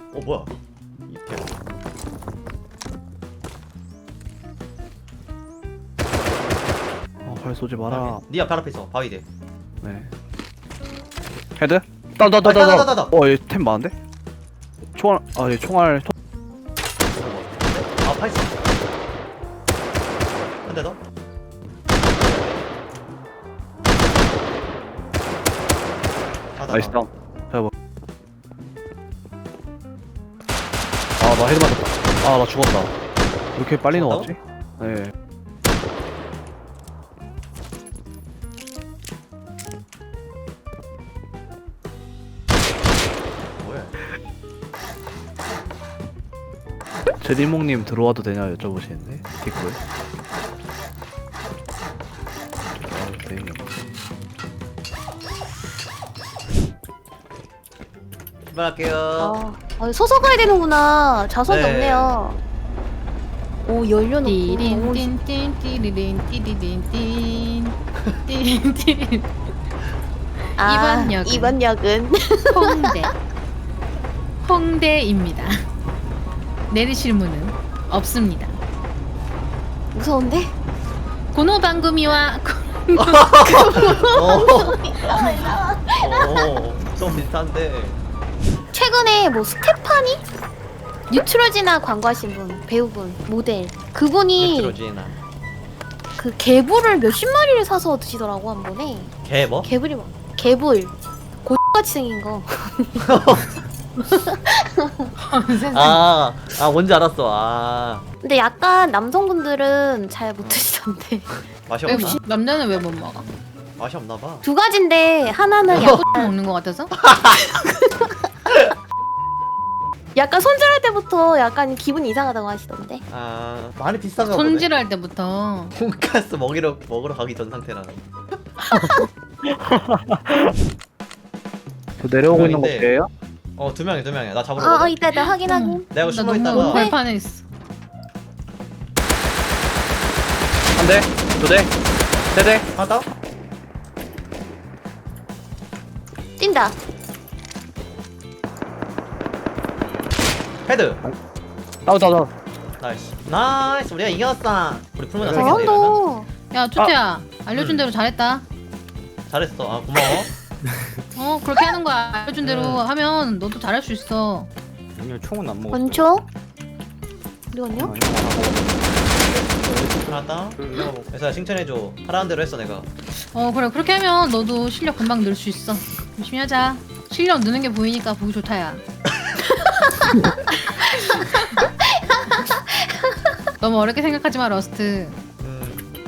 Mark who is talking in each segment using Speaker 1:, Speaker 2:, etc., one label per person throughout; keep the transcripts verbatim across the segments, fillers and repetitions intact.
Speaker 1: 어 뭐야? 이렇게.
Speaker 2: 어, 활 쏘지 마라.
Speaker 1: 니 앞에 앞에 있어. 바위대.
Speaker 2: 네. 헤드? 따다다다다.
Speaker 1: 따다다다다.
Speaker 2: 어, 얘 템 많은데? 총알, 아, 얘 총알. 통-
Speaker 1: 아 파이스. 한 대 더. 아, 나,
Speaker 2: 나이스
Speaker 1: 나.
Speaker 2: 다운. 자, 뭐. 아, 나 헤드 맞았다. 아, 나 죽었다. 왜 이렇게 빨리
Speaker 1: 죽었다고?
Speaker 2: 나왔지? 네.
Speaker 1: 뭐야?
Speaker 2: 제디몽님 들어와도 되냐 여쭤보시는데 댓글. 아, 네.
Speaker 1: 출발할게요.
Speaker 3: 아, 아, 서서 가야 되는구나. 좌석이
Speaker 1: 네.
Speaker 3: 없네요. 오, 열려놓고.
Speaker 4: 띠린 띠린 띠리린 띠리린 띠린 띠린 띠린
Speaker 3: 아,
Speaker 4: 이번 역은?
Speaker 3: 이번 역은.
Speaker 4: 홍대 홍대입니다. 내리실 문은 없습니다.
Speaker 3: 무서운데?
Speaker 4: 고노방구미와
Speaker 1: 어. 어. 좀 비슷한데.
Speaker 3: 최근에 뭐 스테파니? 뉴트로지나 광고하신 분, 배우분, 모델. 그분이
Speaker 1: 그러지나.
Speaker 3: 그 개불을 몇십 마리를 사서 드시더라고, 한 번에.
Speaker 1: 개 뭐?
Speaker 3: 개불이 뭐? 개불. 고같이 생긴 거.
Speaker 1: 아, 아 뭔지 알았어. 아
Speaker 3: 근데 약간 남성분들은 잘 못 드시던데.
Speaker 1: 맛이
Speaker 4: 왜
Speaker 1: 없나?
Speaker 4: 뭐- 남자는 왜 못 먹어?
Speaker 1: 맛이 없나 봐.
Speaker 3: 두 가지인데 하나는 약,
Speaker 4: 먹는 것 같아서?
Speaker 3: 약간 손질할 때부터 약간 기분이 이상하다고 하시던데.
Speaker 1: 아 많이 비싼가 보네.
Speaker 4: 손질할 때부터.
Speaker 1: 돈가스 먹이러 먹으러 가기 전 상태라.
Speaker 2: 저 내려오고 있는 거
Speaker 1: 명인데.
Speaker 2: 걔예요?
Speaker 1: 어 두 명이 두 명이야. 나 잡으러
Speaker 3: 아, 어,
Speaker 1: 가거든.
Speaker 3: 이따 이따 확인하고.
Speaker 1: 내가
Speaker 4: 나
Speaker 1: 숨어
Speaker 4: 너무
Speaker 1: 있다가
Speaker 4: 발판에 있어.
Speaker 2: 한 대, 두 대, 세 대.
Speaker 1: 하다.
Speaker 3: 뛴다.
Speaker 1: 헤드.
Speaker 2: 다운, 다운, 다운.
Speaker 1: 나이스. 나이스. 우리가 이겼어. 우리 풀문화
Speaker 3: 잘한다.
Speaker 1: 생겼네.
Speaker 4: 야 초태야
Speaker 1: 아.
Speaker 4: 알려준
Speaker 1: 음.
Speaker 4: 대로 잘했다.
Speaker 1: 잘했어. 아 고마워.
Speaker 4: 어 그렇게 하는 거야. 알려준 대로
Speaker 1: 음.
Speaker 4: 하면 너도 잘할 수 있어.
Speaker 2: 오늘 총은 안 먹었어.
Speaker 3: 권총? 어디 갔냐?
Speaker 1: 하다. 그래서 칭찬해줘. 하라는 대로 했어 내가.
Speaker 4: 어 그래 그렇게 하면 너도 실력 금방 늘 수 있어. 열심히 하자. 실력 느는 게 보이니까 보기 좋다야. 너무 어렵게 생각하지 마 러스트.
Speaker 1: 음.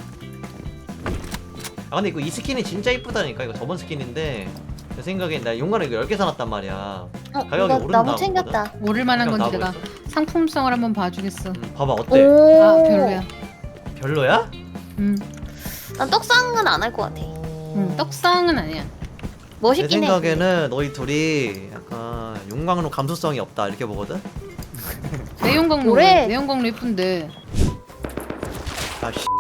Speaker 1: 아 근데 이거 이 스킨이 진짜 이쁘다니까. 이거 저번 스킨인데 내 생각엔 나 용가를 이거 열 개 사놨단 말이야.
Speaker 3: 어,
Speaker 1: 가격이
Speaker 3: 이거
Speaker 1: 오른다고
Speaker 3: 나무 챙겼다.
Speaker 4: 오를 만한
Speaker 1: 그럼
Speaker 4: 건지
Speaker 1: 나하고
Speaker 4: 내가
Speaker 1: 있어.
Speaker 4: 상품성을 한번 봐주겠어.
Speaker 1: 음, 봐봐 어때?
Speaker 3: 오.
Speaker 4: 아 별로야.
Speaker 1: 별로야?
Speaker 4: 음,
Speaker 3: 난 떡상은 안 할 것 같아.
Speaker 4: 음 떡상은 아니야.
Speaker 1: 내
Speaker 3: 멋있긴 해.
Speaker 1: 생각에는 너희 둘이 약간 용광로 감수성이 없다 이렇게 보거든?
Speaker 4: 내용광로
Speaker 3: 뭐래?
Speaker 4: 내용광로 예쁜데.
Speaker 1: 아 씨.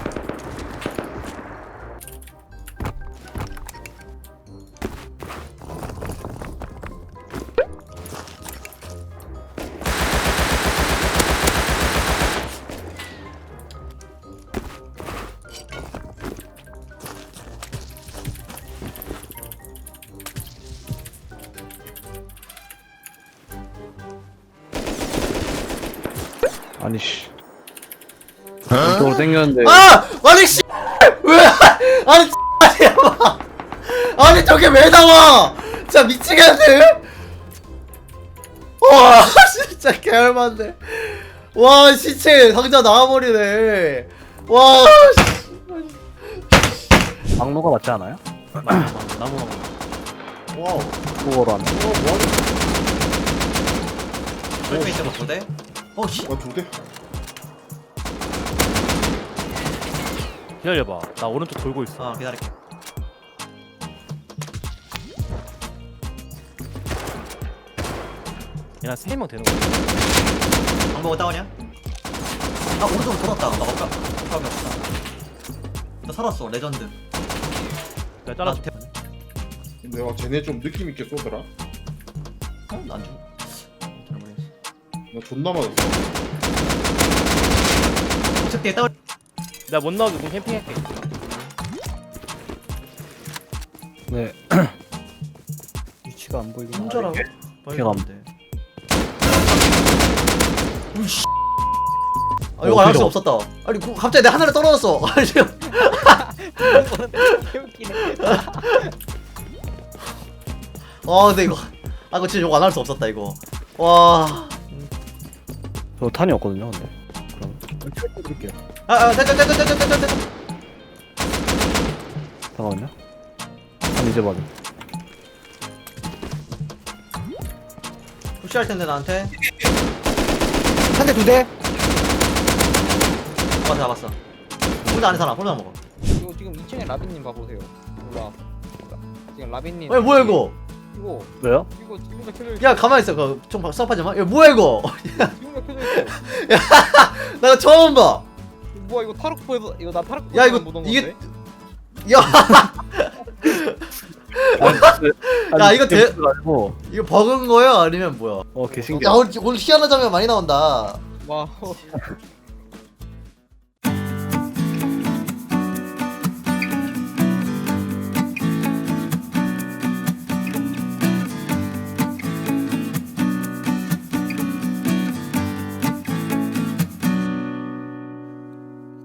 Speaker 2: 아니 씨. 이쪽으로 당겼는데.
Speaker 1: 아! 아니 씨! 왜? 아니 씨! 아니 저게 왜 나와? 진짜 미치겠네. 와 진짜 개얼만데. 와 시체 상자 나와버리네. 와.
Speaker 2: 막로가 맞지 않아요?
Speaker 1: 나무 나무. 와우.
Speaker 2: 그거로 하면.
Speaker 1: 설명 있어 보대. 어 씨.
Speaker 5: 아, 두 대?
Speaker 6: 기다려봐. 나 오른쪽 돌고 있어.
Speaker 1: 아 기다릴게.
Speaker 6: 얘랑 세 명 되는 거야.
Speaker 1: 방법은 다운이야? 아 오른쪽으로 돌았다. 나 아까 아까 없다. 나 살았어 레전드.
Speaker 6: 내가 잘라줄게.
Speaker 5: 내가 쟤네 좀 느낌 있게 쏘더라.
Speaker 1: 어? 난 좀.
Speaker 5: 나 존나 맞았어.
Speaker 1: 어차피 다운.
Speaker 6: 내가 못 나오게 공 캠핑할게.
Speaker 2: 네. 위치가 안 보이긴
Speaker 1: 혼자라고?
Speaker 2: 걔가 안-
Speaker 1: 으이씨. 아 이거 안 할 수 없었다. 아니 그- 갑자기 내 하늘에 떨어졌어. 아니 지금. 아 근데 이거 아 이거 진짜 이거 안 할 수 없었다 이거. 와.
Speaker 2: 저 탄이 없거든요 근데 그럼 드릴게요.
Speaker 1: 아아 됐다 됐다 됐다 됐다 됐다.
Speaker 2: 잠깐만요. 탄 이제 받음.
Speaker 1: 푸시할 텐데 나한테.
Speaker 2: 한 대 두 대.
Speaker 1: 잡았어 잡았어. 홀드 안해 사람 홀드 안 먹어.
Speaker 7: 이거 지금 이 층에 라빈님 봐보세요. 몰라. 지금 라빈님.
Speaker 1: 왜 뭐야 이거?
Speaker 7: 이거
Speaker 2: 왜요?
Speaker 7: 이거 지금 다 켜져 있어.
Speaker 1: 야 가만 히 있어. 그좀 수업하지 마. 이거 뭐야 이거?
Speaker 7: 지금 다 켜져 있어.
Speaker 1: 나 이거 처음 봐.
Speaker 7: 이거 뭐야 이거 타락포에서 이거 나 타락포.
Speaker 1: 야, 이거 이게- 야 야, 이거 대-
Speaker 2: 고
Speaker 1: 이거 버그인 거야 아니면 뭐야?
Speaker 2: 어 개신기.
Speaker 1: 야 오늘 오늘 희한한 장면 많이 나온다.
Speaker 7: 와.